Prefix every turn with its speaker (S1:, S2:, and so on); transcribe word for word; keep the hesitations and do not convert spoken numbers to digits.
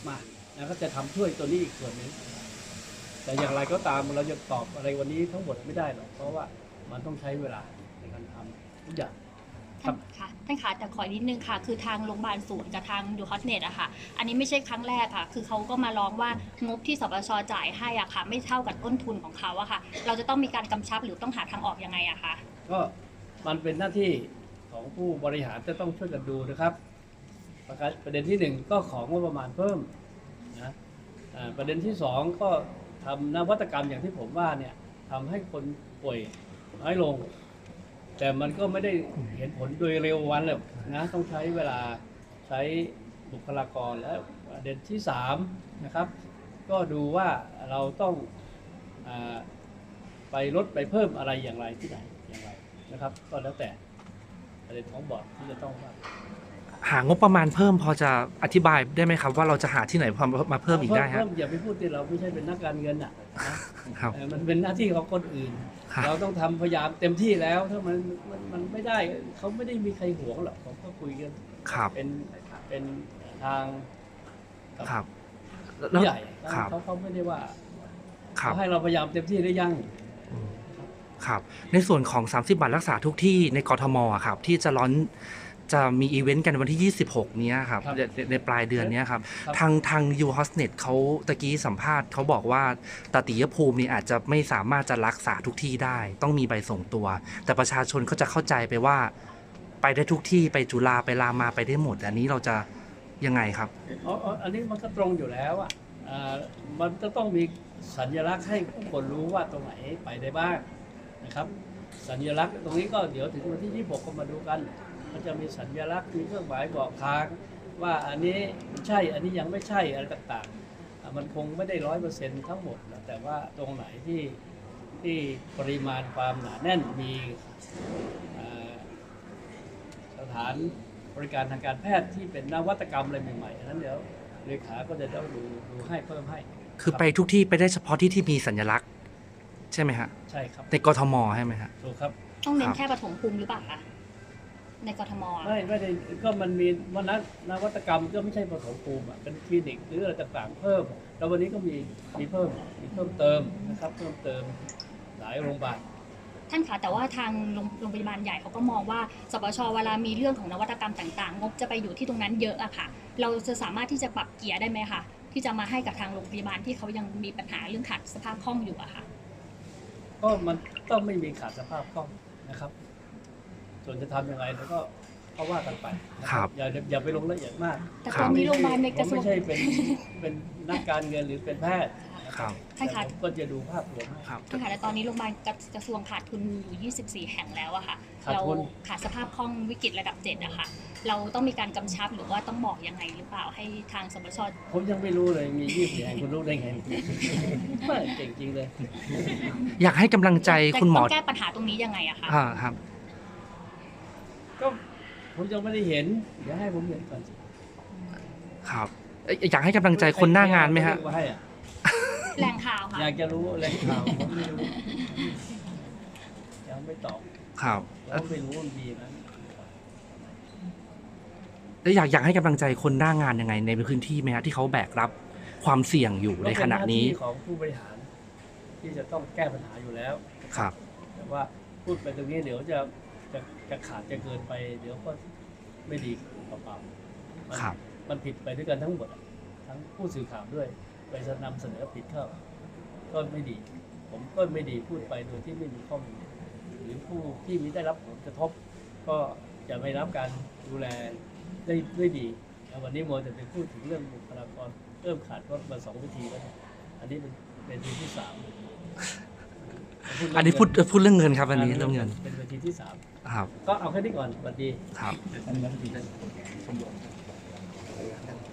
S1: อกมาแล้วก็จะทำช่วยตัวนี้อีกส่วนหนึ่งแต่อย่างไรก็ตามเราจะตอบอะไรวันนี้ทั้งหมดไม่ได้หรอกเพราะว่ามันต้องใช้เวลาในการทำทุกอย่าง
S2: ท่านค่ะท่านคะแต่ขอนิดนึงค่ะคือทางโรงพยาบาลศูนย์กับทางยูฮอตเน็ตอะค่ะอันนี้ไม่ใช่ครั้งแรกค่ะคือเขาก็มาร้องว่างบที่สปชจ่ายให้อะค่ะไม่เท่ากับต้นทุนของเขาอะค่ะเราจะต้องมีการกำชับหรือต้องหาทางออกยังไงอะคะ
S1: ก็มันเป็นหน้าที่ของผู้บริหารจะต้องช่วยกันดูนะครับประเด็นที่หนึ่งก็ของงบประมาณเพิ่มนะประเด็นที่สองก็ทำนวัตกรรมอย่างที่ผมว่าเนี่ยทำให้คนป่วยน้อยลงแต่มันก็ไม่ได้เห็นผลโดยเร็ววันเลยนะต้องใช้เวลาใช้บุคลากรและประเด็นที่สามนะครับก็ดูว่าเราต้องไปลดไปเพิ่มอะไรอย่างไรที่ไหนอย่างไรนะครับก็แล้วแต่ประเด็นของบอร์ดที่จะต้องว่า
S3: หางบประมาณเพิ่มพอจะอธิบายได้ไหมครับว่าเราจะหาที่ไหนมาเพิ่มอีกได้ฮะ
S1: อย่าไปพูดที่เราไม่ใช่เป็นนักการเงินอ่ะนะครับมันเป็นหน้าที่ของคนอื่นเราต้องทำพยายามเต็มที่แล้วถ้ามันมันไม่ได้เขาไม่ได้มีใครหวงหรอกผมก็คุยกันเป็นเป็นทาง
S3: ครับ
S1: ใหญ่เขาเขาไม่ได้ว่าเขาให้เราพยายามเต็มที่ได้ยัง
S3: ครับในส่วนของสามสิบบาทรักษาทุกที่ในกทมครับที่จะร้อนจะมีอีเวนต์กันวันที่ยี่สิบหกนี้ครับในปลายเดือนนี้ครับทางทางยูฮอสเน็ตเขาตะกี้สัมภาษณ์เขาบอกว่าตติยภูมินี่อาจจะไม่สามารถจะรักษาทุกที่ได้ต้องมีใบส่งตัวแต่ประชาชนเขาจะเข้าใจไปว่าไปได้ทุกที่ไปจุฬาไปรามาไปได้หมดอันนี้เราจะยังไงครับ
S1: อ๋ออันนี้มันก็ตรงอยู่แล้วอ่ะมันจะต้องมีสัญลักษณ์ให้ผู้คนรู้ว่าตรงไหนไปได้บ้างนะครับสัญลักษณ์ตรงนี้ก็เดี๋ยวถึงวันที่ยี่สิบหกก็มาดูกันมันจะมีสัญลักษณ์มีเครื่องหมายบอกทางว่าอันนี้ใช่อันนี้ยังไม่ใช่อะไรต่างๆมันคงไม่ได้ร้อยเปอร์เซ็นต์ทั้งหมดนะแต่ว่าตรงไหนที่ที่ปริมาณความหนาแน่นมีสถานบริการทางการแพทย์ที่เป็นนวัตกรรมอะไรใหม่ๆนั้นเดี๋ยวเลขาก็จะต้องดูดูให้เพิ่มให้
S3: คือไปทุกที่ไปได้เฉพาะที่ที่มีสัญลักษณ์ใช่ไหมฮะ
S1: ใช่ครับ
S3: ในกทมใช่ไหมฮะ
S1: ถูกครับ
S2: ต้องเน้นแค่ปฐมภูมิหรือเปล่าคะในกทม
S1: ไม่ไม่ได้ก็มันมีวันนั้นนวัตกรรมก็ไม่ใช่ปฐมภูมิอ่ะเป็นคลินิกหรืออะไรต่างๆเพิ่มแล้ววันนี้ก็มีมีเพิ่มมีเพิ่มเติมนะครับเพิ่มเติมหลายโรงพยาบาล
S2: ท่านคะแต่ว่าทางโรงพยาบาลใหญ่เขาก็มองว่าสปชเวลามีเรื่องของนวัตกรรมต่างๆงบจะไปอยู่ที่ตรงนั้นเยอะอะค่ะเราจะสามารถที่จะปรับเกียร์ได้ไหมคะที่จะมาให้กับทางโรงพยาบาลที่เขายังมีปัญหาเรื่องขาดสภาพคล่องอยู่อะค่ะ
S1: ก็มันต้องไม่มีขาดสภาพคล่องนะครับส่วนจะทำยังไงแล้วก็เขาว่ากันไป
S3: ครับ
S1: อย่าอย่าไปลงละเอียดมาก
S2: แต่ตอนนี้โรงพยาบาลในกระทรวง
S1: ไม่ใช่เป็นเป็นนักการเงินหรือเป็นแพทย์
S3: ครับ
S2: ท่านคะ
S1: ก็จะดูภาพรวม
S2: ครับท่านคะแต่ตอนนี้โรงพยาบาลกระทรวงขาดทุนอยู่ยี่สิบสี่แห่งแล้วอะค่ะเราขาดสภาพคล่องวิกฤตระดับเจ็ดอะค่ะเราต้องมีการกำชับหรือว่าต้องบอกยังไงหรือเปล่าให้ทางสปช
S1: ผมยังไม่รู้เลยมียี่สิบสี่แห่งคุณรู้ได้ไงไม่เก่งจริงเลย
S3: อยากให้กำลังใจคุณหมอ
S2: แก้ปัญหาตรงนี้ยังไงอะคะ
S3: อ่าครับ
S1: ก็ผมยังไม่ได้เห็นเดี๋ยวให้ผมเห็นก่อน
S3: ครับอยากให้กำลังใจคนหน้างานไหมฮะ
S2: แหล่งข่าวค่ะ
S1: อยากจะรู้แหล่งข่าวผมไม่รู้ยังไม่ตอบ
S3: ครับ
S1: แล้วไม่รู้ว่ามีไหม
S3: แล้วอยากอยากให้กำลังใจคนหน้างานยังไงในพื้นที่ไหมฮะที่เขาแบกรับความเสี่ยงอยู่ในขณะนี้
S1: ของผู้บริหารที่จะต้องแก้ปัญหาอยู่แล้ว
S3: ครับ
S1: แต่ว่าพูดไปตรงนี้เดี๋ยวจะจะจะขาดจะเกินไปเดี๋ยวก็ไม่ดีเปล่าๆ
S3: ครับ
S1: มันผิดไปด้วยกันทั้งหมดทั้งผู้สื่อข่าวด้วยไปนำเสนอผิดเข้าก็ไม่ดีผมก็ไม่ดีพูดไปโดยที่ไม่มีข้อมูลหรือผู้ที่มีได้รับผลกระทบก็จะไม่รับการดูแลได้ด้วยดีวันนี้โมจะไปพูดถึงเรื่องบุคลากรเริ่มขาดก็มาสองวิธีแล้วอันนี้เป็นเป็นวิธีที่สาม
S3: อันนี้พูดพูดเรื่องเงินครับอันนี้เรื่องเงิน
S1: เป็นวิธีที่สาม
S3: ครับ
S1: ก็เอาแค่นี้ก่อนสวัสดี
S3: ครับ